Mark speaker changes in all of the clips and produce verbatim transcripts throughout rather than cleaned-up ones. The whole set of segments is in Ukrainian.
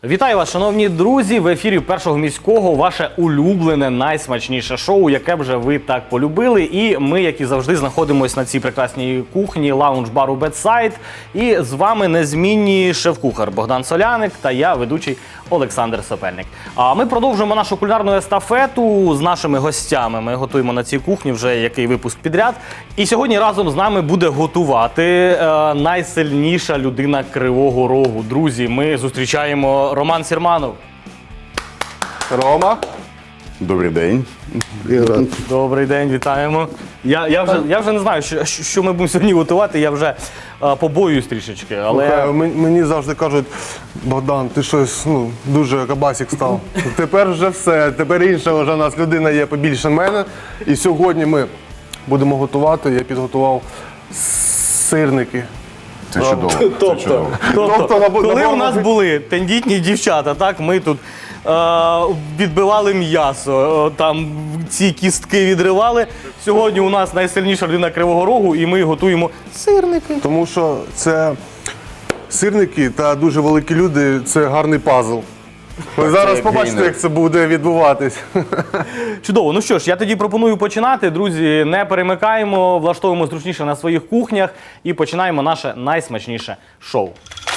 Speaker 1: Вітаю вас, шановні друзі! В ефірі Першого міського ваше улюблене, найсмачніше шоу, яке б вже ви так полюбили. І ми, як і завжди, знаходимося на цій прекрасній кухні лаунж-бару Бедсайд. І з вами незмінні шеф-кухар Богдан Соляник та я, ведучий Олександр Сопельник. А ми продовжуємо нашу кулінарну естафету з нашими гостями. Ми готуємо на цій кухні вже який випуск підряд. І сьогодні разом з нами буде готувати е, найсильніша людина Кривого Рогу. Друзі, ми зустрічаємо Роман Сірманов.
Speaker 2: Рома.
Speaker 3: Добрий день.
Speaker 1: Добрий день, вітаємо. Я, я, вже, я вже не знаю, що, що ми будемо сьогодні готувати, я вже а, побоююсь трішечки. Але...
Speaker 2: Слухай, мені завжди кажуть, Богдан, ти щось ну, дуже кабасик став. Тепер вже все, тепер інша вже у нас людина є побільше мене. І сьогодні ми будемо готувати, я підготував сирники.
Speaker 3: Це чудово. Це
Speaker 1: Тобто,
Speaker 3: чудово.
Speaker 1: тобто,
Speaker 2: Тобто, на-
Speaker 1: коли
Speaker 2: на-
Speaker 1: у нас були тендітні дівчата, так, ми тут е, відбивали м'ясо, е, там ці кістки відривали. Сьогодні у нас найсильніша людина Кривого Рогу, і ми готуємо сирники.
Speaker 2: Тому що це сирники та дуже великі люди, це гарний пазл. Ви зараз
Speaker 3: як
Speaker 2: побачите,
Speaker 3: гейнер.
Speaker 2: як це буде відбуватись.
Speaker 1: Чудово. Ну що ж, я тоді пропоную починати. Друзі, не перемикаємо, влаштовуємо зручніше на своїх кухнях і починаємо наше найсмачніше шоу.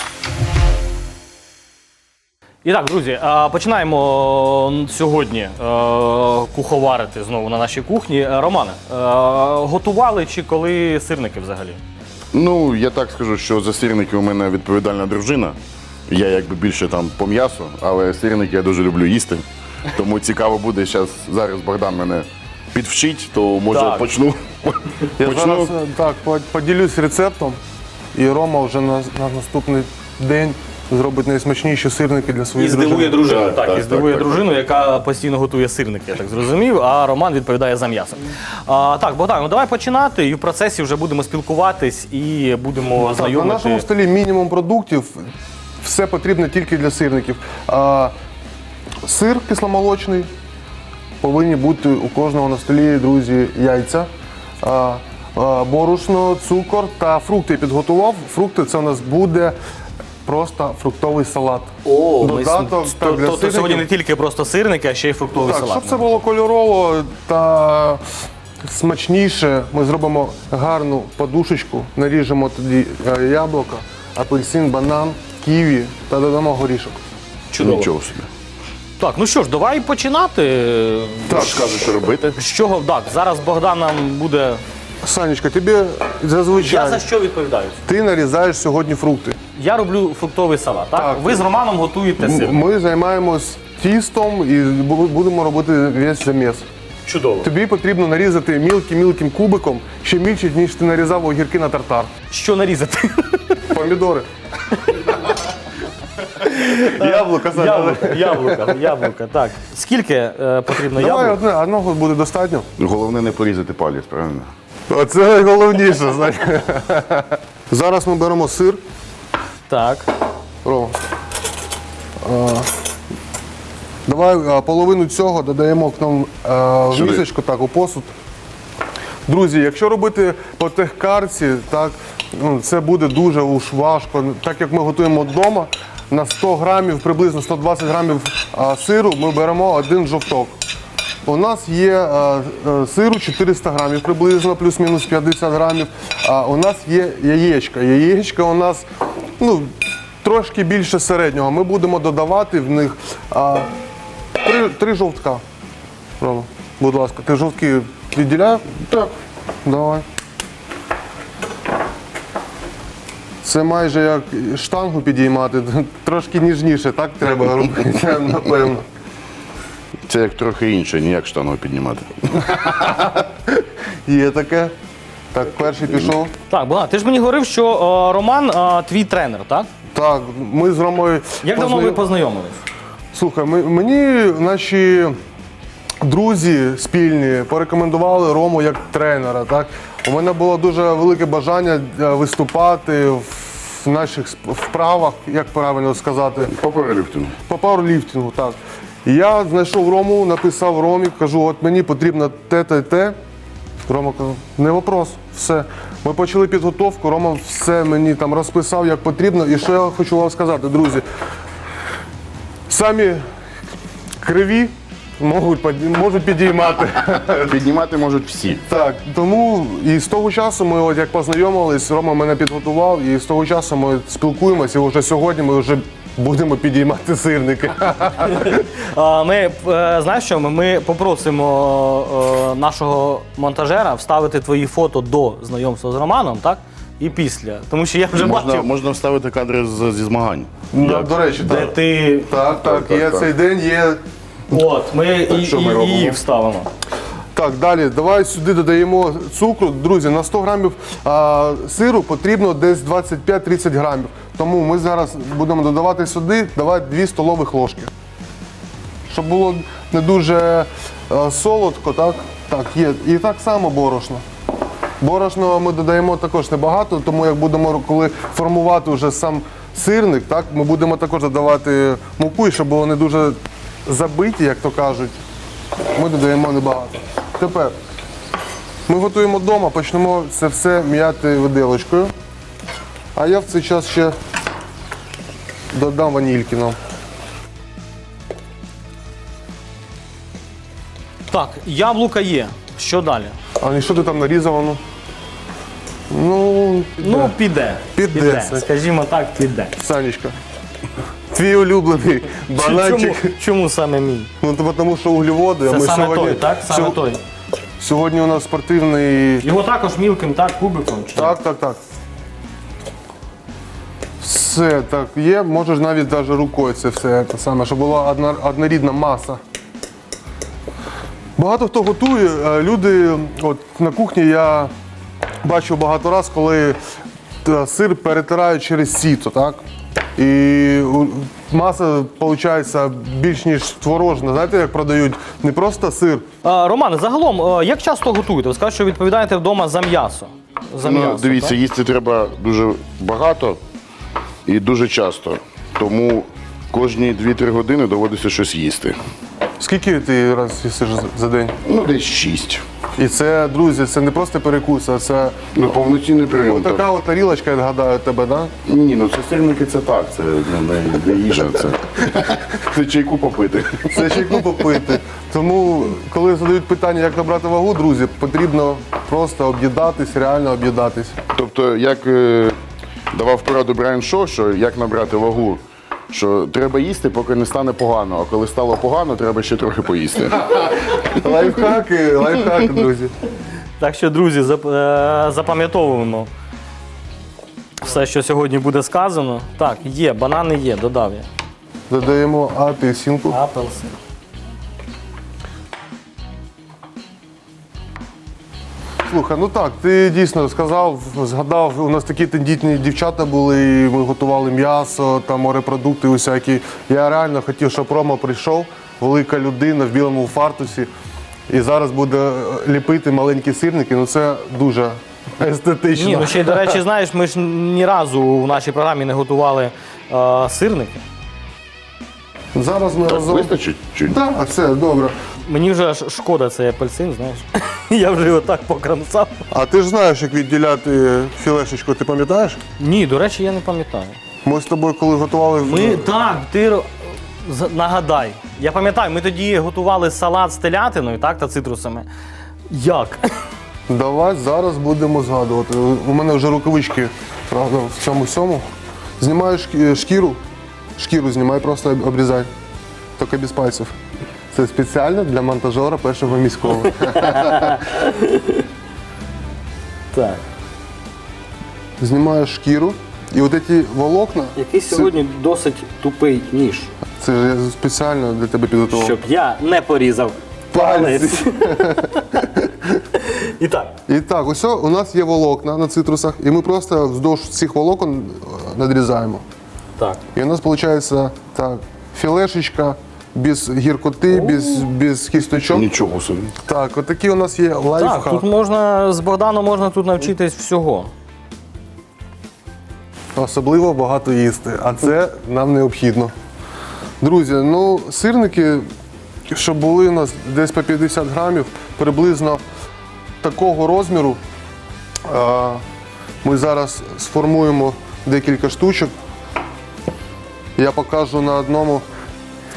Speaker 1: І так, друзі, е, починаємо сьогодні е, куховарити знову на нашій кухні. Е, Романе, е, готували чи коли сирники взагалі?
Speaker 3: Ну, я так скажу, що за сирники у мене відповідальна дружина. Я якби більше там по м'ясу, але сирники я дуже люблю їсти. Тому цікаво буде, зараз, зараз Богдан мене підвчить, то може
Speaker 1: Так.
Speaker 3: почну.
Speaker 2: Я
Speaker 3: почну.
Speaker 2: зараз так, по- поділюсь рецептом, і Рома вже на, на наступний день зробить найсмачніші сирники для
Speaker 1: І
Speaker 2: своєї
Speaker 1: здивує
Speaker 2: дружини.
Speaker 1: дружину,
Speaker 3: Так,
Speaker 1: так,
Speaker 3: так,
Speaker 1: і здивує
Speaker 3: так, так,
Speaker 1: дружину, яка постійно готує сирники, я так зрозумів, а Роман відповідає за м'ясо. А, так, Богдан, ну давай починати, і в процесі вже будемо спілкуватись і будемо
Speaker 2: Так, на
Speaker 1: знайомити.
Speaker 2: нашому столі мінімум продуктів, все потрібно тільки для сирників. А, сир кисломолочний, повинні бути у кожного на столі, друзі, яйця, а, а, борошно, цукор та фрукти я підготував. Фрукти це у нас буде просто фруктовий салат.
Speaker 1: О, ми
Speaker 2: Додаток
Speaker 1: с-
Speaker 2: так,
Speaker 1: то-
Speaker 2: для
Speaker 1: тобто сьогодні не
Speaker 2: сирників.
Speaker 1: тільки просто сирники, а ще й фруктовий
Speaker 2: Так,
Speaker 1: салат.
Speaker 2: щоб це було кольорово та смачніше, ми зробимо гарну подушечку, наріжемо тоді е, яблука, апельсин, банан, ківі та додамо горішок.
Speaker 1: Чудово.
Speaker 3: Нічого собі.
Speaker 1: Так, ну що ж, давай починати.
Speaker 3: Так, скажу, що робити.
Speaker 1: З чого? Так, зараз Богдан нам буде...
Speaker 2: Санечка, тобі зазвичай
Speaker 1: Я за що відповідаю?
Speaker 2: ти нарізаєш сьогодні фрукти.
Speaker 1: Я роблю фруктовий салат, так?
Speaker 2: Так.
Speaker 1: Ви з Романом готуєте
Speaker 2: М-
Speaker 1: сир.
Speaker 2: Ми займаємось тістом і бу- будемо робити весь заміс.
Speaker 1: Чудово.
Speaker 2: Тобі потрібно нарізати мілким-мілким кубиком, ще мільче, ніж ти нарізав огірки на тартар.
Speaker 1: Що нарізати?
Speaker 2: Помідори. Яблука, Саня.
Speaker 1: Яблука, яблука, яблука, так. Скільки е, потрібно
Speaker 2: Давай
Speaker 1: яблук?
Speaker 2: одне, одного буде достатньо.
Speaker 3: Головне не порізати палець, правильно?
Speaker 2: Оце найголовніше, знаєш. Зараз ми беремо сир.
Speaker 1: Так.
Speaker 2: Рома. А, Давай а, половину цього додаємо к нам а, в
Speaker 3: Сюди.
Speaker 2: місочку, так, у посуд. Друзі, якщо робити по техкарці, так, ну, це буде дуже уж важко. Так як ми готуємо вдома, на сто грамів, приблизно сто двадцять грамів а, сиру ми беремо один жовток. У нас є а, а, сиру чотириста грамів, приблизно, плюс-мінус п'ятдесят грамів. А у нас є яєчка. Яєчка у нас ну, трошки більше середнього. Ми будемо додавати в них а, три, три жовтка. Рома, будь ласка, ти жовтки відділяв? Так. Давай. Це майже як штангу підіймати, трошки ніжніше, так треба робити, напевно.
Speaker 3: Це як трохи інше, ніяк штангу піднімати.
Speaker 2: Є таке. Так, перший пішов.
Speaker 1: Так, Богдан, ти ж мені говорив, що е, Роман е, твій тренер, так?
Speaker 2: Так, ми з Ромою.
Speaker 1: Як давно ви
Speaker 2: познайом-
Speaker 1: познайомились?
Speaker 2: Слухай, ми- мені наші друзі спільні порекомендували Рому як тренера. Так? У мене було дуже велике бажання е, виступати в наших сп- вправах, як правильно сказати,
Speaker 3: По пауерліфтингу.
Speaker 2: по пауерліфтингу. Так. І я знайшов Рому, написав Ромі, кажу, от мені потрібно те, те, те. Рома каже, не вопрос, все. Ми почали підготовку, Рома все мені там розписав, як потрібно. І що я хочу вам сказати, друзі. самі криві можуть, підні- можуть підіймати.
Speaker 3: Піднімати можуть всі.
Speaker 2: Так, тому і з того часу ми, от як познайомились, Рома мене підготував, і з того часу ми спілкуємося, і вже сьогодні ми вже будемо підіймати сирники.
Speaker 1: А, Ми, е, знаєш що, ми, ми попросимо е, нашого монтажера вставити твої фото до знайомства з Романом, так? І після. Тому що я вже
Speaker 3: Можна,
Speaker 1: бачив,
Speaker 3: можна вставити кадри з, зі змагань.
Speaker 2: Ну, до речі,
Speaker 1: де
Speaker 2: так.
Speaker 1: ти.
Speaker 2: Так, так,
Speaker 3: так,
Speaker 2: є
Speaker 3: так.
Speaker 2: цей день, є.
Speaker 1: От, ми і,
Speaker 3: що ми
Speaker 1: і,
Speaker 3: робимо?
Speaker 1: її вставимо.
Speaker 2: Так, далі, давай сюди додаємо цукру. Друзі, на сто грамів а, сиру потрібно десь двадцять п'ять тридцять грамів. Тому ми зараз будемо додавати сюди, давай дві столових ложки. Щоб було не дуже а, солодко, так? Так, є. І так само борошно. Борошно ми додаємо також небагато, тому як будемо, коли формувати вже сам сирник, так, ми будемо також додавати муку, і щоб було не дуже забиті, як то кажуть, ми додаємо небагато. Тепер ми готуємо вдома, почнемо це все м'яти виделочкою. А я в цей час ще додам ванільки нам.
Speaker 1: Так, яблука є. Що далі?
Speaker 2: А і що ти там нарізав? Ну, ну,
Speaker 1: Ну, піде.
Speaker 2: Піде це.
Speaker 1: Скажімо так, піде.
Speaker 2: Санечка, твій улюблений
Speaker 1: Чому,
Speaker 2: бананчик.
Speaker 1: чому саме мій?
Speaker 2: Ну, то тому що углеводи, а
Speaker 1: Це
Speaker 2: ми
Speaker 1: саме
Speaker 2: сьогодні,
Speaker 1: той, так? Саме
Speaker 2: сьо-
Speaker 1: той.
Speaker 2: сьогодні у нас спортивний.
Speaker 1: Його також мілким, так, кубиком? Чи?
Speaker 2: Так, так, так. Все так є, можеш навіть навіть рукою це все те саме, щоб була одна, однорідна маса. Багато хто готує, е, люди, от на кухні я бачив багато разів, коли е, сир перетирають через сіто, так? І у- маса виходить більш ніж творожна. Знаєте, як продають не просто сир,
Speaker 1: А, Романе, загалом, е, як часто готуєте? Ви скажете, що відповідаєте вдома за м'ясо. За
Speaker 3: Ну,
Speaker 1: м'ясо,
Speaker 3: дивіться,
Speaker 1: так?
Speaker 3: їсти треба дуже багато і дуже часто. Тому кожні дві-три години доводиться щось їсти.
Speaker 2: скільки ти раз їсиш за- за день?
Speaker 3: Ну, десь шість.
Speaker 2: І це, друзі, це не просто перекус, а це
Speaker 3: Ну, повноцінний прийом. так.
Speaker 2: така от тарілочка, я гадаю, тебе, да?
Speaker 3: Ні, ну це сирники це так, це не, не, не їжа, це, це чайку попити.
Speaker 2: Це чайку попити. Тому, коли задають питання, як набрати вагу, друзі, потрібно просто об'їдатись, реально об'їдатись.
Speaker 3: Тобто, як е, давав пораду Брайан Шоу, що як набрати вагу, що треба їсти, поки не стане погано, а коли стало погано, треба ще трохи поїсти.
Speaker 2: Лайфхаки, лайфхаки, друзі.
Speaker 1: Так що, друзі, зап- е, запам'ятовуємо все, що сьогодні буде сказано. Так, є, банани є, додав я.
Speaker 2: Додаємо апельсинку.
Speaker 1: Апелсин.
Speaker 2: Слухай, ну так, ти дійсно сказав, згадав, у нас такі тендітні дівчата були, і ми готували м'ясо, там морепродукти усякі. Я реально хотів, щоб Рома прийшов, велика людина в білому фартусі, і зараз буде ліпити маленькі сирники. Ну це дуже естетично.
Speaker 1: Ні, ну ще й, до речі, знаєш, ми ж ні разу в нашій програмі не готували е, сирники.
Speaker 2: Зараз ми
Speaker 3: Так,
Speaker 2: разом.
Speaker 3: вистачить? Чи?
Speaker 2: Так, все, добре.
Speaker 1: Мені вже аж шкода цей апельсин, знаєш. Я вже його так покромсав.
Speaker 2: А ти ж знаєш, як відділяти філешечку, ти пам'ятаєш?
Speaker 1: Ні, до речі, я не пам'ятаю.
Speaker 2: Ми з тобою, коли готували.
Speaker 1: Ми так, ти ро- з- нагадай. Я пам'ятаю, ми тоді готували салат з телятиною, так, та цитрусами. Як?
Speaker 2: Давай зараз будемо згадувати. У мене вже рукавички, правда, в цьому сьому. Знімаєш шкі- шкіру, шкіру знімай, просто об- обрізай. Тільки без пальців. Це спеціально для монтажера першого міського.
Speaker 1: Так.
Speaker 2: Знімаєш шкіру. І от ці волокна,
Speaker 1: Який
Speaker 2: це-
Speaker 1: сьогодні досить тупий ніж,
Speaker 2: це ж я спеціально для тебе підготував.
Speaker 1: щоб я не порізав палець. І так.
Speaker 2: І так, ось у нас є волокна на цитрусах, і ми просто вздовж цих волокон е, надрізаємо.
Speaker 1: Так.
Speaker 2: І у нас виходить так, філешечка без гіркоти, без, без кісточок.
Speaker 3: Нічого собі.
Speaker 2: Так, отакі у нас є
Speaker 1: Так,
Speaker 2: лайфхак.
Speaker 1: тут можна з Богданом можна тут навчитись всього.
Speaker 2: Особливо багато їсти, а це нам необхідно. Друзі, ну сирники, щоб були у нас десь по п'ятдесят грамів, приблизно такого розміру. А, Ми зараз сформуємо декілька штучок. Я покажу на одному,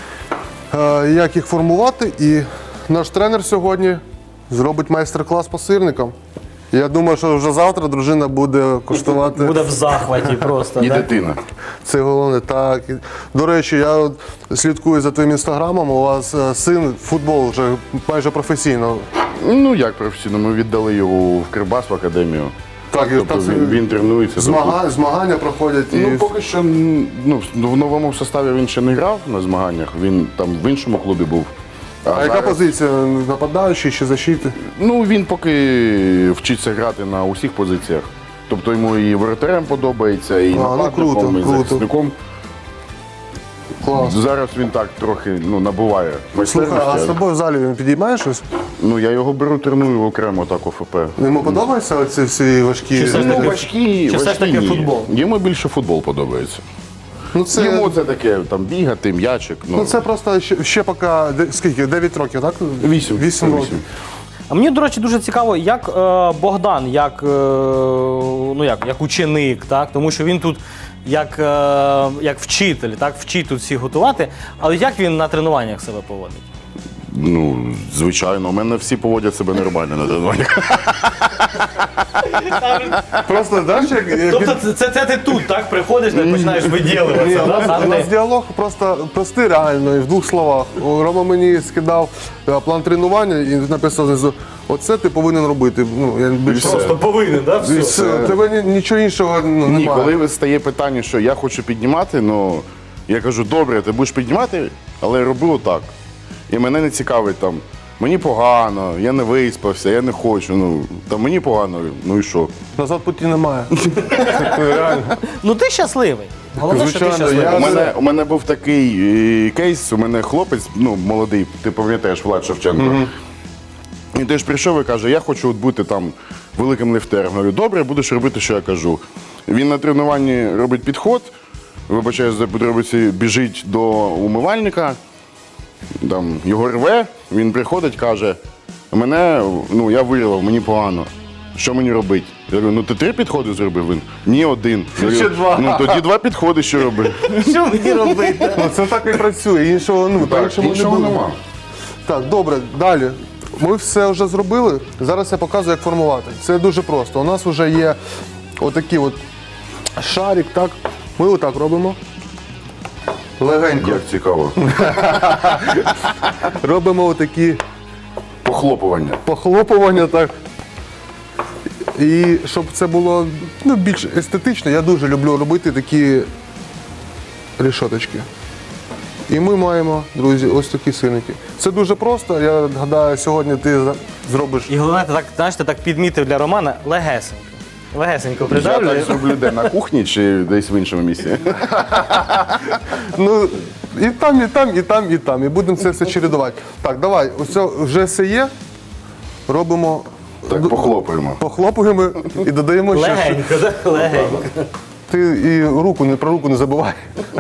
Speaker 2: е, як їх формувати. І наш тренер сьогодні зробить майстер-клас по сирникам. Я думаю, що вже завтра дружина буде куштувати.
Speaker 1: Буде в захваті просто.
Speaker 3: І
Speaker 1: да?
Speaker 3: дитина.
Speaker 2: Це головне. Так. І, до речі, я от слідкую за твоїм інстаграмом. У вас е, син футбол вже майже професійно.
Speaker 3: Ну як професійно, ми віддали його в Кривбас в академію.
Speaker 2: Так, і
Speaker 3: Тобто
Speaker 2: так,
Speaker 3: він, він тренується.
Speaker 2: Змагання, змагання проходять. І...
Speaker 3: Ну, поки що ну, в новому составі він ще не грав на змаганнях, він там в іншому клубі був.
Speaker 2: А яка
Speaker 3: зараз-
Speaker 2: позиція? Нападаючий чи защити?
Speaker 3: Ну, він поки вчиться грати на усіх позиціях. Тобто йому і воротарем подобається, і
Speaker 2: ну,
Speaker 3: нападником,
Speaker 2: круто,
Speaker 3: і
Speaker 2: круто.
Speaker 3: захисником.
Speaker 2: Клас.
Speaker 3: Зараз він так трохи ну, набуває
Speaker 2: Слухай, а з
Speaker 3: майстерності.
Speaker 2: тобою в залі він підіймає щось?
Speaker 3: Ну, я його беру, треную окремо так ОФП.
Speaker 2: Йому подобаються оці всі важкі?
Speaker 1: Чи все ж
Speaker 3: Ну,
Speaker 1: таки-
Speaker 3: важкі,
Speaker 1: чи все ж
Speaker 3: важкі
Speaker 1: таки
Speaker 3: ні.
Speaker 1: футбол?
Speaker 3: Йому більше футбол подобається.
Speaker 2: Ну це,
Speaker 3: Йому це таке, там, бігати, м'ячик. Ну,
Speaker 2: ну, це просто ще, ще поки, де- скільки, дев'ять років, так?
Speaker 3: Вісім.
Speaker 2: Вісім
Speaker 3: Вісім.
Speaker 2: років.
Speaker 1: А мені, до речі, дуже цікаво, як е, Богдан, як, е, ну, як, як ученик, так? Тому що він тут як, е, як вчитель, так? Вчить тут всіх готувати. Але як він на тренуваннях себе поводить?
Speaker 3: Ну, звичайно, у мене всі поводять себе нормально на тренуваннях.
Speaker 2: Просто, знаєш, як, як
Speaker 1: Тобто це, це, це ти тут, так? Приходиш і починаєш
Speaker 2: Ні,
Speaker 1: виділюватися,
Speaker 2: у нас,
Speaker 1: да?
Speaker 2: у нас діалог просто простий реально, і в двох словах. О, Рома мені скидав е, план тренування і написав знизу, оце ти повинен робити. Ну, я більше...
Speaker 1: Просто повинен, так?
Speaker 2: І
Speaker 1: Все.
Speaker 2: все, тебе ні- нічого іншого ну,
Speaker 3: Ні,
Speaker 2: немає.
Speaker 3: коли стає питання, що я хочу піднімати, ну я кажу, добре, ти будеш піднімати, але роби отак. І мене не цікавить там, мені погано, я не виспався, я не хочу. Ну там мені погано, ну і що?
Speaker 2: Назад путі немає. Реально.
Speaker 1: Ну ти щасливий. Головне, що ти
Speaker 2: Звичайно,
Speaker 1: щасливий.
Speaker 2: я-
Speaker 3: У мене, у мене був такий е, кейс, у мене хлопець, ну, молодий, ти пам'ятаєш, Влад Шевченко. Він теж прийшов і каже, я хочу от бути там великим ліфтером. Говорю, добре, будеш робити, що я кажу. Він на тренуванні робить підход, вибачаю за подробиці, біжить до умивальника, там, його рве, він приходить, каже, мене, ну, я вирвав, мені погано. Що мені робити? Я говорю, ну ти три підходи зробив він? Ні, один. Я говорю,
Speaker 2: Ще два.
Speaker 3: Ну тоді два підходи ще роби.
Speaker 1: Що мені робити?
Speaker 2: Ну, це так і працює, іншого, ну,
Speaker 3: Так,
Speaker 2: по-іншому не
Speaker 3: іншого
Speaker 2: буде.
Speaker 3: нема.
Speaker 2: Так, добре, далі. Ми все вже зробили. Зараз я показую, як формувати. Це дуже просто. У нас вже є отакий от шарик, так. Ми отак робимо. Легенько.
Speaker 3: Як цікаво.
Speaker 2: Робимо отакі
Speaker 3: Похлопування.
Speaker 2: похлопування, так. І щоб це було ну, більш естетично, я дуже люблю робити такі рішоточки. І ми маємо, друзі, ось такі сирники. Це дуже просто. Я гадаю, сьогодні ти за- зробиш.
Speaker 1: І головне, ти так, знаєш, ти так підмітив для Романа легесенько. Легесенько
Speaker 3: Я
Speaker 1: придавлює.
Speaker 3: так зроблю де на кухні чи десь в іншому місці.
Speaker 2: Ну, і там, і там, і там, і там. І будемо це все чередувати. Так, давай, ось це вже все є. Робимо,
Speaker 3: Так, похлопаємо.
Speaker 2: похлопуємо і додаємо ще.
Speaker 1: Легенько, так? Легенько.
Speaker 2: Ти і руку не про руку не забувай.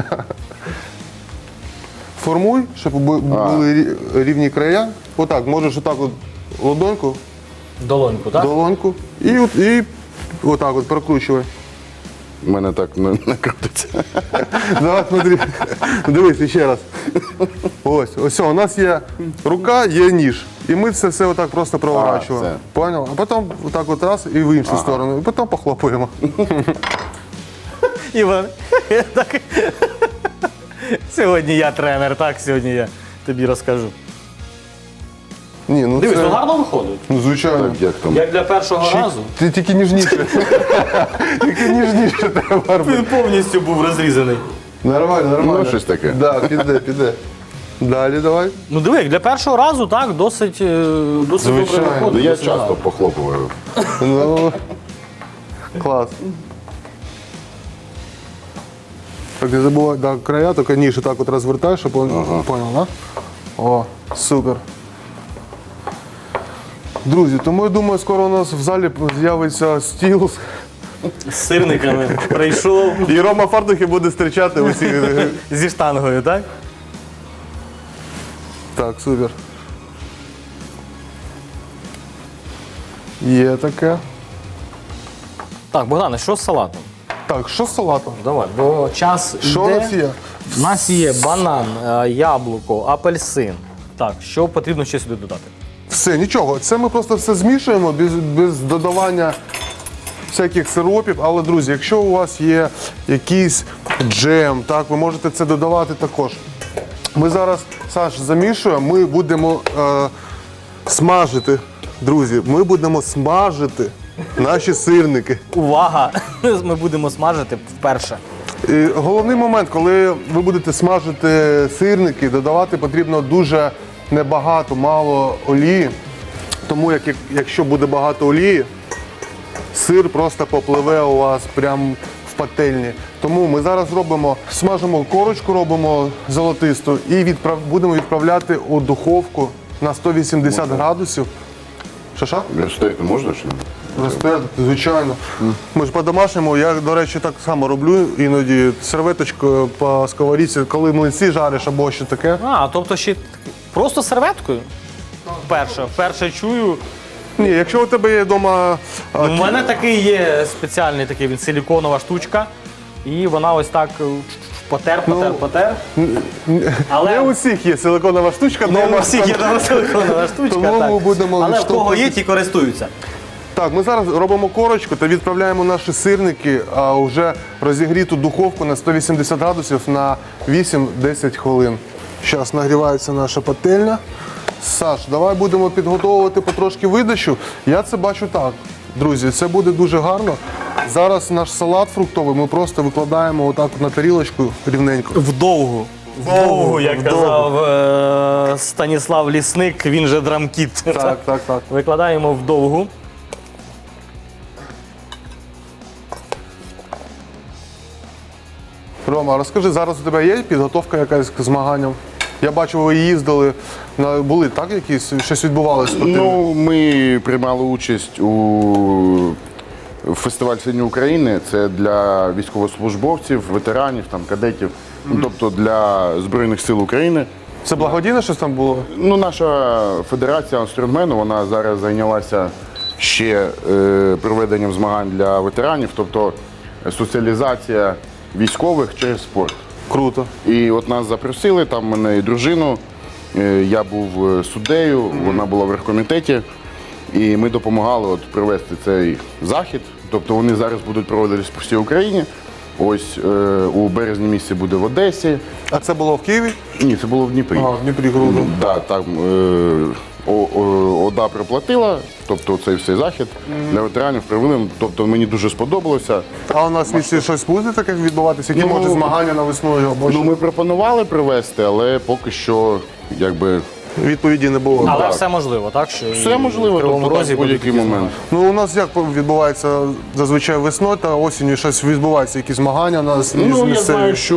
Speaker 2: Формуй, щоб бу- були рі- рівні края. Отак, можеш отак от ладоньку,
Speaker 1: Долоньку, так?
Speaker 2: долоньку і, от, і отак от прокручувай.
Speaker 3: У мене так не, не крутиться.
Speaker 2: Давай, смотри. Дивись ще раз. Ось, ось, у нас є рука, є ніж. І ми це все отак просто проворачуємо.
Speaker 3: це.
Speaker 2: Понял? А потім отак от раз і в іншу сторону. І потім похлопуємо.
Speaker 1: Іван, так. Сьогодні я тренер, так, сьогодні я тобі розкажу.
Speaker 2: Ні, ну
Speaker 1: Дивись,
Speaker 2: це...
Speaker 1: ну гарно виходить.
Speaker 2: Ну, звичайно.
Speaker 3: Так, як там?
Speaker 1: Як для першого разу.
Speaker 2: Ти тільки ніжніше. Тільки ніжніше треба робити.
Speaker 1: Він повністю був розрізаний.
Speaker 2: Нормально, нормально.
Speaker 3: Ну, щось таке.
Speaker 2: Да, піде, піде. Далі давай.
Speaker 1: Ну диви, як для першого разу, так, досить, е, досить добре
Speaker 2: Звичайно.
Speaker 3: Ну,
Speaker 1: виходить.
Speaker 3: я
Speaker 1: досить
Speaker 3: часто
Speaker 1: гарно.
Speaker 3: похлопую.
Speaker 2: Ну, клас. Так, не забувай, да, края, тільки ніж так от розвертаєш, щоб він понял, да? О, супер. Друзі, тому я думаю, скоро у нас в залі з'явиться стіл.
Speaker 1: З сирниками прийшов
Speaker 2: І Рома Фартухи буде зустрічати усіх.
Speaker 1: зі штангою, так?
Speaker 2: Так, супер. Є таке.
Speaker 1: Так, Богдане, що з салатом?
Speaker 2: Так, що з салатом?
Speaker 1: Давай, бо час
Speaker 2: Що у
Speaker 1: йде.
Speaker 2: нас є?
Speaker 1: У нас є банан, е, яблуко, апельсин. Так, що потрібно ще сюди додати?
Speaker 2: Все, нічого. Це ми просто все змішуємо без, без додавання всяких сиропів. Але, друзі, якщо у вас є якийсь джем, так, ви можете це додавати також. Ми зараз, Саш, замішуємо, ми будемо е, смажити, друзі, ми будемо смажити наші сирники.
Speaker 1: Увага! Ми будемо смажити вперше.
Speaker 2: І головний момент, коли ви будете смажити сирники, додавати потрібно дуже небагато, мало олії. Тому як, як- якщо буде багато олії, сир просто попливе у вас прямо в пательні. Тому ми зараз робимо, смажимо корочку, робимо золотисту і відправ, будемо відправляти у духовку на сто вісімдесят градусів. Шаша?
Speaker 3: Розтерти можна чи ні?
Speaker 2: Розтерти, звичайно. Ми ж по-домашньому, я, до речі, так само роблю іноді серветочкою по сковорідці, коли млинці жариш або що таке.
Speaker 1: А, тобто ще просто серветкою? Вперше, вперше чую.
Speaker 2: Ні, якщо у тебе є вдома. а,
Speaker 1: У мене такий є спеціальний такий, він силіконова штучка. І вона ось так е, потер, потер, потер. Але
Speaker 2: Не у всіх є силиконова штучка
Speaker 1: не
Speaker 2: вдома.
Speaker 1: у всіх є там силиконова штучка.
Speaker 2: Тому
Speaker 1: так.
Speaker 2: ми будемо
Speaker 1: Але в кого є,
Speaker 2: відштовхуватись.
Speaker 1: ті користуються.
Speaker 2: Так, ми зараз робимо корочку та відправляємо наші сирники а, вже розігріту духовку на сто вісімдесят градусів на вісім-десять хвилин. Зараз нагрівається наша пательня. Саш, давай будемо підготовувати потрошки видачу. Я це бачу так. Друзі, це буде дуже гарно. Зараз наш салат фруктовий ми просто викладаємо отак на тарілочку рівненько.
Speaker 1: Вдовгу. Вдовгу, як
Speaker 2: вдовгу.
Speaker 1: казав е- Станіслав Лісник, він же драмкіт.
Speaker 2: Так, так, так.
Speaker 1: Викладаємо вдовгу.
Speaker 2: Рома, розкажи, зараз у тебе є підготовка якась к змаганням? Я бачу, ви їздили, на- були так якісь, щось відбувалося?
Speaker 3: Ну, ми приймали участь у фестиваль Сильні України. Це для військовослужбовців, ветеранів, там, кадетів, ну, тобто для Збройних сил України.
Speaker 2: Це благодійне щось там було?
Speaker 3: Ну, наша федерація стронгмену, вона зараз зайнялася ще е, проведенням змагань для ветеранів, тобто соціалізація військових через спорт.
Speaker 2: Круто.
Speaker 3: І от нас запросили, там мене і дружину, е, я був е, суддею, вона була в рехкомітеті, і ми допомагали от провести цей захід. Тобто вони зараз будуть проводитись по всій Україні. Ось е, у березні місяці буде в Одесі.
Speaker 2: А це було в Києві?
Speaker 3: Ні, це було в Дніпрі.
Speaker 2: А, в Дніпрі круто.
Speaker 3: Да, там е, О- О- ОДА проплатила, тобто цей всей захід для ветеранів привели. Тобто мені дуже сподобалося.
Speaker 2: А у нас в місті щось буде таке відбуватися? Які
Speaker 3: Ну,
Speaker 2: може змагання на весну або
Speaker 3: Ну,
Speaker 2: що?
Speaker 3: ми пропонували привезти, але поки що якби
Speaker 2: Відповіді не було.
Speaker 1: Але
Speaker 3: Так.
Speaker 1: все можливо, так? Що
Speaker 3: все
Speaker 1: і
Speaker 3: можливо,
Speaker 1: в Кривому
Speaker 3: тобто,
Speaker 1: Розі
Speaker 3: так, в
Speaker 1: будуть
Speaker 3: будь-який
Speaker 1: такі
Speaker 3: момент.
Speaker 1: змагання.
Speaker 2: Ну, у нас як відбувається зазвичай весною та осінню щось відбувається, якісь змагання у нас
Speaker 3: Ну, я
Speaker 2: місцеві?
Speaker 3: знаю, що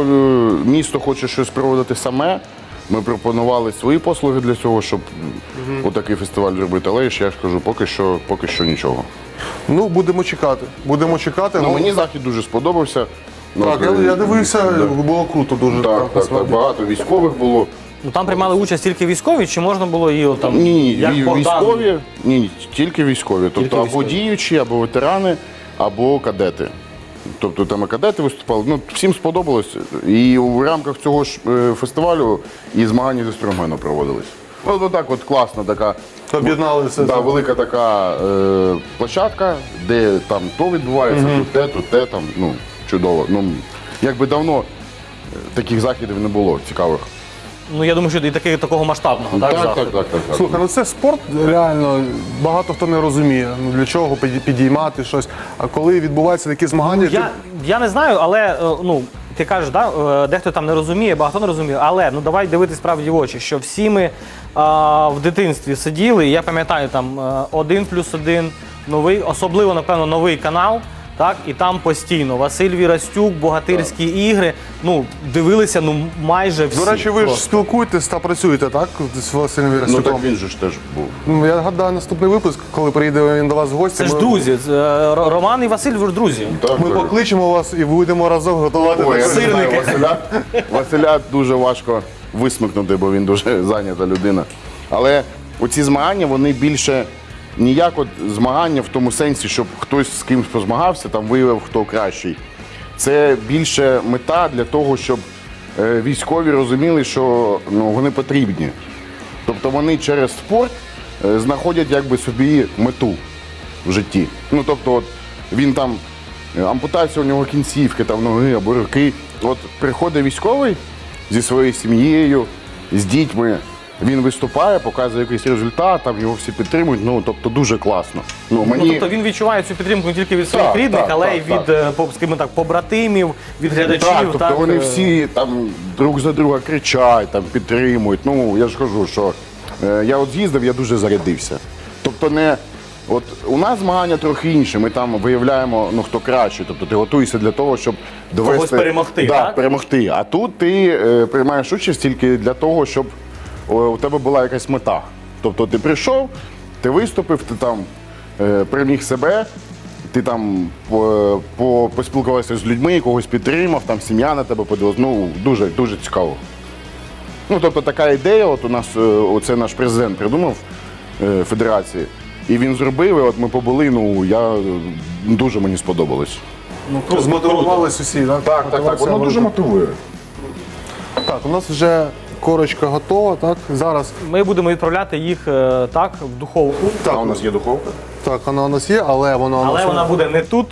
Speaker 3: е, місто хоче щось проводити саме. Ми пропонували свої послуги для цього, щоб отакий фестиваль зробити. Але ж я ж кажу, поки що, поки що нічого.
Speaker 2: Ну, будемо чекати. Будемо чекати.
Speaker 3: Ну,
Speaker 2: Ну,
Speaker 3: мені захід дуже сподобався. Ну,
Speaker 2: так,
Speaker 3: от,
Speaker 2: я, я
Speaker 3: е,
Speaker 2: дивився,
Speaker 3: да.
Speaker 2: було круто дуже.
Speaker 3: Так, так, так,
Speaker 2: насправді.
Speaker 3: багато військових було.
Speaker 1: Ну там приймали участь тільки військові, чи можна було і от там
Speaker 3: Ні, ні,
Speaker 1: як
Speaker 3: вій-
Speaker 1: Богдан?
Speaker 3: військові, ні, ні, тільки військові. Тобто або
Speaker 1: військові.
Speaker 3: діючі, або ветерани, або кадети. Тобто там і кадети виступали. Ну, всім сподобалось. І в рамках цього ж е, фестивалю і змагання зі стронгмену проводились. От отак от класна така.
Speaker 2: Об'єднали все
Speaker 3: Да,
Speaker 2: це.
Speaker 3: велика така е, площадка, де там то відбувається, тут те, тут те, там, ну, чудово. Ну, якби давно е, таких заходів не було цікавих.
Speaker 1: Ну я думаю, що і таки, такого масштабного, так?
Speaker 3: Так, так,
Speaker 1: заходу.
Speaker 3: так, так, так.
Speaker 2: Слухай, ну це спорт реально, багато хто не розуміє, ну для чого піді- підіймати щось. А коли відбуваються такі змагання,
Speaker 1: Я, я не знаю, але е, ну, ти кажеш, да, е, дехто там не розуміє, багато не розуміє, але ну давай дивитись правді в очі, що всі ми а, в дитинстві сиділи, і я пам'ятаю там е, один плюс один, новий, особливо, напевно, новий канал. Так, і там постійно Василь Вірастюк, богатирські ігри. Ну, дивилися ну майже всі.
Speaker 2: до речі, ви ж
Speaker 1: просто.
Speaker 2: спілкуєтесь та працюєте, так? З Василем
Speaker 3: Ну
Speaker 2: Вірастюком?
Speaker 3: так він же ж теж був.
Speaker 2: Ну, я гадаю, наступний випуск, коли приїде він до вас в гості.
Speaker 1: Це ж
Speaker 2: ми-
Speaker 1: друзі. це, е, Ро- Роман і Василь ви ж друзі.
Speaker 3: Так,
Speaker 2: Ми
Speaker 3: так.
Speaker 2: покличемо вас і будемо разом готувати.
Speaker 3: Ой, я
Speaker 2: таке.
Speaker 3: не знаю,
Speaker 1: Сирники.
Speaker 3: Василя, Василя дуже важко висмикнути, бо він дуже зайнята людина. Але оці змагання, вони більше ніяк от змагання в тому сенсі, щоб хтось з кимось позмагався, там виявив, хто кращий. Це більше мета для того, щоб е, військові розуміли, що ну, вони потрібні. Тобто вони через спорт е, знаходять якби собі мету в житті. Ну, тобто, от, він там, е, ампутація у нього кінцівки, там, ноги або руки. От приходить військовий зі своєю сім'єю, з дітьми, він виступає, показує якийсь результат, там його всі підтримують, ну, тобто дуже класно. Ну, мені...
Speaker 1: Ну, тобто він відчуває цю підтримку не тільки від своїх
Speaker 3: Так,
Speaker 1: рідних,
Speaker 3: так,
Speaker 1: але й
Speaker 3: так,
Speaker 1: від, е, по- скажімо так, побратимів, від глядачів.
Speaker 3: Так, тобто
Speaker 1: так,
Speaker 3: вони
Speaker 1: е,
Speaker 3: всі там друг за друга кричать, там, підтримують. Ну, я ж кажу, що е, я от з'їздив, я дуже зарядився. Тобто не... От у нас змагання трохи інше, ми там виявляємо, ну, хто краще. Тобто ти готуєшся для того, щоб довести...
Speaker 1: Когось перемогти,
Speaker 3: да,
Speaker 1: так?
Speaker 3: перемогти. А тут ти е, приймаєш участь тільки для того, щоб о, у тебе була якась мета. Тобто ти прийшов, ти виступив, ти там е, переміг себе, ти там по, по, поспілкувався з людьми, когось підтримав, там сім'я на тебе подивилась. Ну, дуже, дуже цікаво. Ну, тобто така ідея, от у нас, е, оце наш президент придумав е, федерації, і він зробив, і от ми побули, ну, я, е, дуже мені сподобалось.
Speaker 1: ну, круто, круто.
Speaker 2: Змотивувались усі, так?
Speaker 3: Так, так, так, воно дуже мотивує.
Speaker 2: Так, у нас вже корочка готова, так? Зараз,
Speaker 1: Ми будемо відправляти їх е, так, в духовку.
Speaker 3: А у нас є духовка?
Speaker 2: так, вона у нас є, але вона у нас...
Speaker 1: Але вона буде не тут,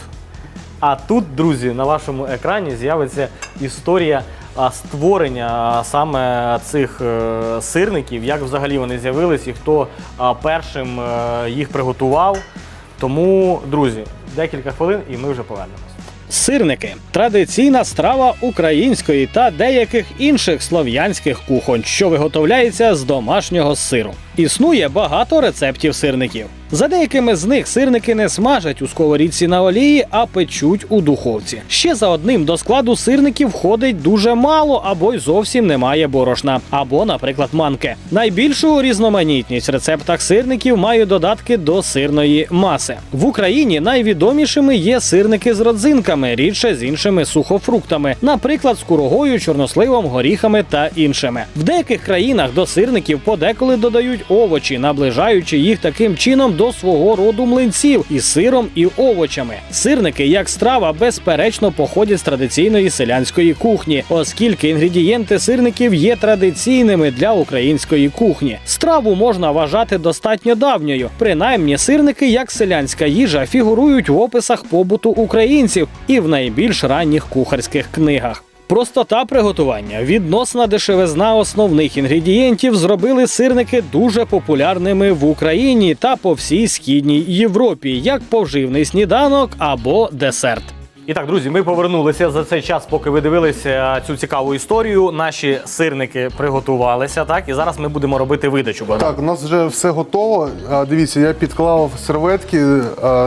Speaker 1: а тут, друзі, на вашому екрані з'явиться історія а, створення а, саме цих е, сирників, як взагалі вони з'явились і хто а, першим е, їх приготував. Тому, друзі, декілька хвилин і ми вже повернемось. Сирники – традиційна страва української та деяких інших слов'янських кухонь, що виготовляється з домашнього сиру. Існує багато рецептів сирників. За деякими з них сирники не смажать у сковорідці на олії, а печуть у духовці. Ще за одним до складу сирників входить дуже мало або й зовсім немає борошна, або, наприклад, манки. Найбільшу різноманітність в рецептах сирників мають додатки до сирної маси. В Україні найвідомішими є сирники з родзинками, рідше з іншими сухофруктами, наприклад, з курагою, чорносливом, горіхами та іншими. В деяких країнах до сирників подеколи додають овочі, наближаючи їх таким чином до свого роду млинців із сиром і овочами. Сирники, як страва, безперечно походять з традиційної селянської кухні, оскільки інгредієнти сирників є традиційними для української кухні. Страву можна вважати достатньо давньою. Принаймні, сирники, як селянська їжа, фігурують в описах побуту українців і в найбільш ранніх кухарських книгах. Простота приготування, відносна дешевизна основних інгредієнтів зробили сирники дуже популярними в Україні та по всій Східній Європі, як поживний сніданок або десерт. І так, друзі, ми повернулися за цей час, поки ви дивилися цю цікаву історію. Наші сирники приготувалися, так? І зараз ми будемо робити видачу. Богдан.
Speaker 2: Так, у нас вже все готово. А, Дивіться, я підклав серветки а,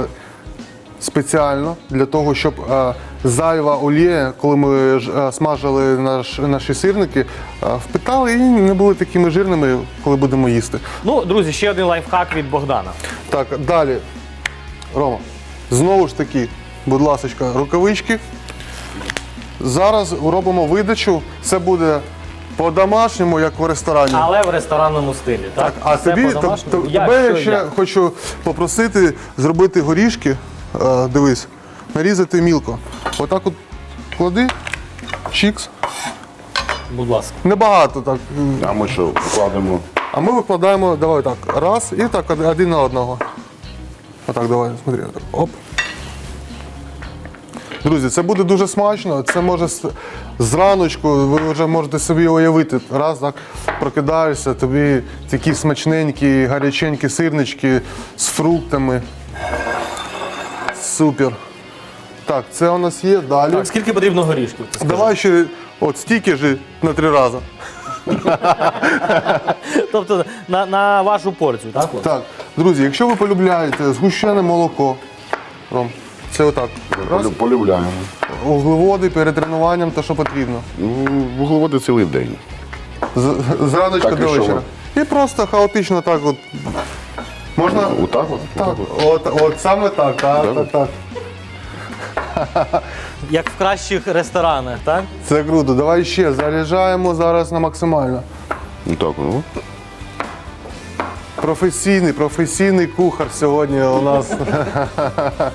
Speaker 2: спеціально для того, щоб а, зайва олія, коли ми ж, а, смажили наш, наші сирники, а, впитали і не були такими жирними, коли будемо їсти.
Speaker 1: Ну, друзі, ще один лайфхак від Богдана.
Speaker 2: Так, далі. Рома, знову ж таки, будь ласка, рукавички. Зараз робимо видачу. Це буде по-домашньому, як в ресторані.
Speaker 1: Але в ресторанному стилі, так?
Speaker 2: А
Speaker 1: Все
Speaker 2: тобі,
Speaker 1: по-домашньому.
Speaker 2: тоб-
Speaker 1: Як,
Speaker 2: тебе
Speaker 1: що,
Speaker 2: ще
Speaker 1: як?
Speaker 2: хочу попросити зробити горішки. Е, Дивись, нарізати мілко. Отак от клади, чікс.
Speaker 1: Будь ласка.
Speaker 2: Небагато так.
Speaker 3: А ми що, вкладемо?
Speaker 2: А ми викладаємо, давай так, раз і так од- один на одного. Отак, давай, смотри. отак. Оп. Друзі, це буде дуже смачно. Це може з- зраночку, ви вже можете собі уявити. Раз так прокидаєшся, тобі такі смачненькі, гаряченькі сирнички з фруктами. Супер. Так, це у нас є. Далі.
Speaker 1: Так, скільки потрібно горішків? Ти скажи?
Speaker 2: Давай ще от стільки ж на три рази.
Speaker 1: Тобто на, на вашу порцію, так? от?
Speaker 2: Так, друзі, якщо ви полюбляєте згущене молоко, Ром, це отак. Раз.
Speaker 3: Полю- Полюбляємо.
Speaker 2: Вуглеводи перед тренуванням, то що потрібно.
Speaker 3: Ну, вуглеводи цілий день.
Speaker 2: З, з раночка
Speaker 3: Так, і
Speaker 2: до
Speaker 3: що
Speaker 2: вечора. І просто хаотично так от. Можна?
Speaker 3: Отак от?
Speaker 2: Так, от, от саме так, так, так, так.
Speaker 1: Як в кращих ресторанах, так?
Speaker 2: Це круто. Давай ще заряджаємо зараз на максимально.
Speaker 3: Отак, ну.
Speaker 2: Професійний, професійний кухар сьогодні у нас.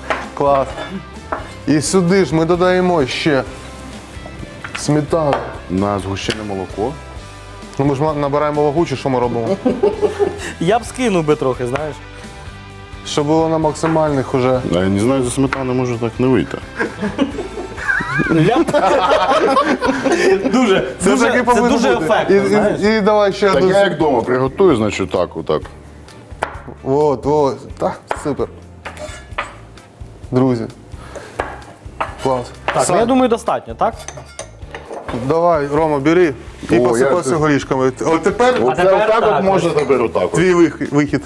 Speaker 2: Клас. І сюди ж ми додаємо ще сметану.
Speaker 3: На згущене молоко.
Speaker 2: Ну ми ж ма- набираємо вагу, чи що ми робимо?
Speaker 1: Я б скинув би трохи, знаєш.
Speaker 2: Щоб було на максимальних уже.
Speaker 3: А я не знаю, за сметану може так не вийти.
Speaker 1: Дуже,
Speaker 2: Це
Speaker 1: дуже,
Speaker 2: таки
Speaker 1: це
Speaker 2: повинно
Speaker 1: дуже
Speaker 2: бути.
Speaker 1: ефектно,
Speaker 2: І,
Speaker 1: знаєш.
Speaker 2: і, і давай ще
Speaker 3: Так
Speaker 2: одну.
Speaker 3: я як вдома приготую, значить так, отак.
Speaker 2: От, от. Так, супер. Друзі. Клас.
Speaker 1: Так, ну,
Speaker 2: Сань,
Speaker 1: я думаю, достатньо, так?
Speaker 2: давай, Рома, бери і
Speaker 3: О,
Speaker 2: посипайся
Speaker 3: я-
Speaker 2: горішками. От тепер
Speaker 3: Оце
Speaker 1: тепер
Speaker 3: отак
Speaker 1: так,
Speaker 3: от можна тепер отак. от.
Speaker 2: твій вих- вихід.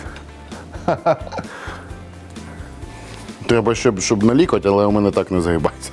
Speaker 3: Треба, щоб, щоб на лікоть, але у мене так не загибається.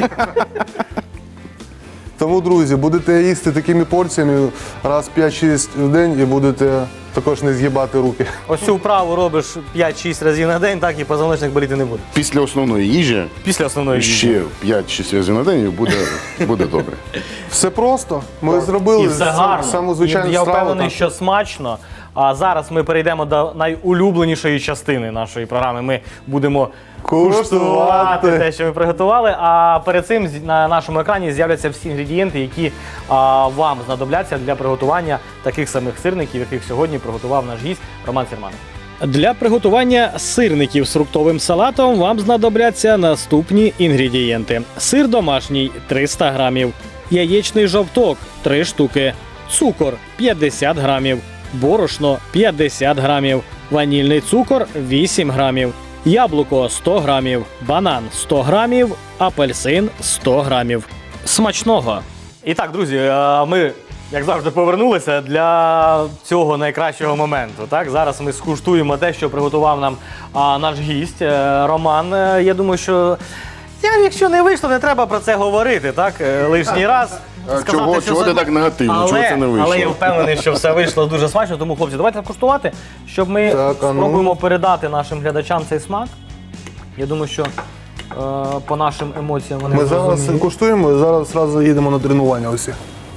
Speaker 2: Тому, друзі, будете їсти такими порціями раз п'ять-шість в день і будете також не згибати руки.
Speaker 1: Ось цю вправу робиш п'ять-шість разів на день, так і позвоночник боліти не буде.
Speaker 3: Після основної їжі
Speaker 1: Після основної їжі.
Speaker 3: ще п'ять-шість разів на день і буде, буде добре.
Speaker 2: Все просто. Ми зробили
Speaker 1: І все гарно.
Speaker 2: саму звичайну
Speaker 1: І я
Speaker 2: страву.
Speaker 1: впевнений,
Speaker 2: так.
Speaker 1: що смачно. А зараз ми перейдемо до найулюбленішої частини нашої програми. Ми будемо
Speaker 2: Куштувати.
Speaker 1: куштувати те, що ми приготували. А перед цим з- на нашому екрані з'являться всі інгредієнти, які а, вам знадобляться для приготування таких самих сирників, яких сьогодні приготував наш гість Роман Сірманов. Для приготування сирників з фруктовим салатом вам знадобляться наступні інгредієнти: сир домашній триста грамів, яєчний жовток три штуки, цукор п'ятдесят грамів, борошно п'ятдесят грамів, ванільний цукор вісім грамів, яблуко сто грамів, банан сто грамів, апельсин сто грамів. Смачного! І так, друзі, е, ми, як завжди, повернулися для цього найкращого моменту. Так? Зараз ми скуштуємо те, що приготував нам а, наш гість е, Роман. Е, Я думаю, що я, якщо не вийшло, не треба про це говорити, так? Е, Лишній раз.
Speaker 3: А
Speaker 1: сказати,
Speaker 3: чого-
Speaker 1: що
Speaker 3: чого
Speaker 1: це-
Speaker 3: ти так негативно?
Speaker 1: Але,
Speaker 3: Чого це не вийшло?
Speaker 1: Але я впевнений, що все вийшло дуже смачно. Тому, хлопці, давайте куштувати, щоб ми
Speaker 2: Так, а ну.
Speaker 1: спробуємо передати нашим глядачам цей смак. Я думаю, що е, по нашим емоціям вони
Speaker 2: Ми зараз
Speaker 1: зрозуміють.
Speaker 2: куштуємо і зараз одразу їдемо на тренування усі.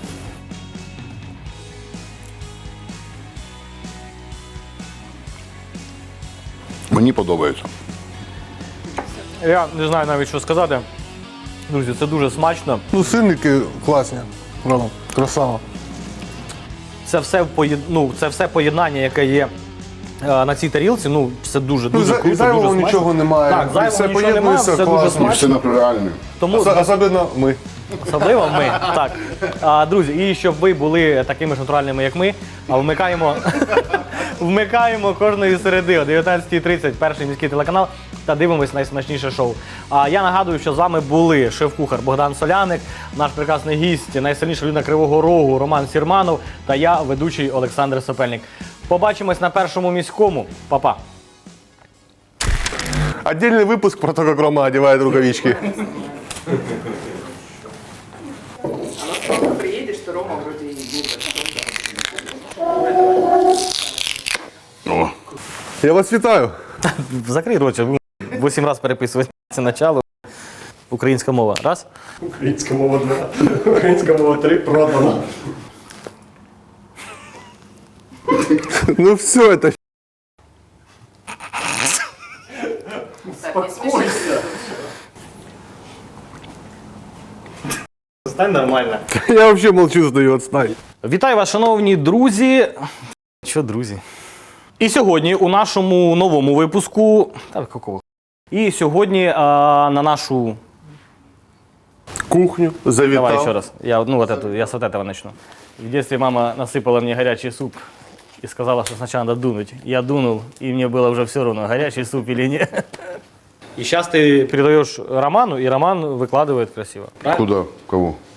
Speaker 3: Мені подобається.
Speaker 1: Я не знаю навіть, що сказати. Друзі, це дуже смачно.
Speaker 2: Ну, сирники класні. Рома, красава.
Speaker 1: Це все, поєд... ну, це все поєднання, яке є е, на цій тарілці. Ну, все дуже,
Speaker 2: Ну,
Speaker 1: дуже
Speaker 2: за-
Speaker 1: круто,
Speaker 2: зайвого
Speaker 1: дуже смачно.
Speaker 2: нічого немає.
Speaker 1: Так,
Speaker 2: І
Speaker 1: зайвого
Speaker 2: все
Speaker 1: нічого немає,
Speaker 2: поєднується
Speaker 1: все дуже
Speaker 2: класно.
Speaker 1: смачно.
Speaker 3: Все натуральне.
Speaker 1: Тому
Speaker 2: Ос- Особливо ми.
Speaker 1: особливо ми. Так. А, друзі, і щоб ви були такими ж натуральними, як ми, а вмикаємо, вмикаємо кожної середи о дев'ятнадцятій тридцять перший міський телеканал та дивимось найсмачніше шоу. А я нагадую, що з вами були шеф-кухар Богдан Соляник, наш прекрасний гість, найсильніша людина Кривого Рогу Роман Сірманов та я, ведучий Олександр Сопельник. Побачимось на першому міському. Па-па.
Speaker 2: Отдельный выпуск про то, как Рома одевает рукавички.
Speaker 4: Приедешь, что Рома вроде и будет.
Speaker 3: О,
Speaker 2: Я вас вітаю.
Speaker 1: Закрий рот, вісім разів переписувати це начало. Українська мова. Раз.
Speaker 5: Українська мова два. Українська мова три продано.
Speaker 2: Ну все, это
Speaker 4: Так, не смеши.
Speaker 1: Стань нормально.
Speaker 2: я вообще молчу, сдаю, отстань.
Speaker 1: Вітаю вас, шановні друзі. Що, друзі? І сьогодні у нашому новому випуску. Та какого? І сьогодні а, на нашу.
Speaker 2: Кухню завітав.
Speaker 1: Давай еще раз. Я, ну, вот эту, я с вот этого начну. В детстве мама насыпала мне горячий суп и сказала, что сначала надо дунуть. Я дунул, и мне было уже все равно, горячий суп или нет. И сейчас ты передаешь Роману, и Роман выкладывает красиво. Правильно?
Speaker 3: куди? Кого?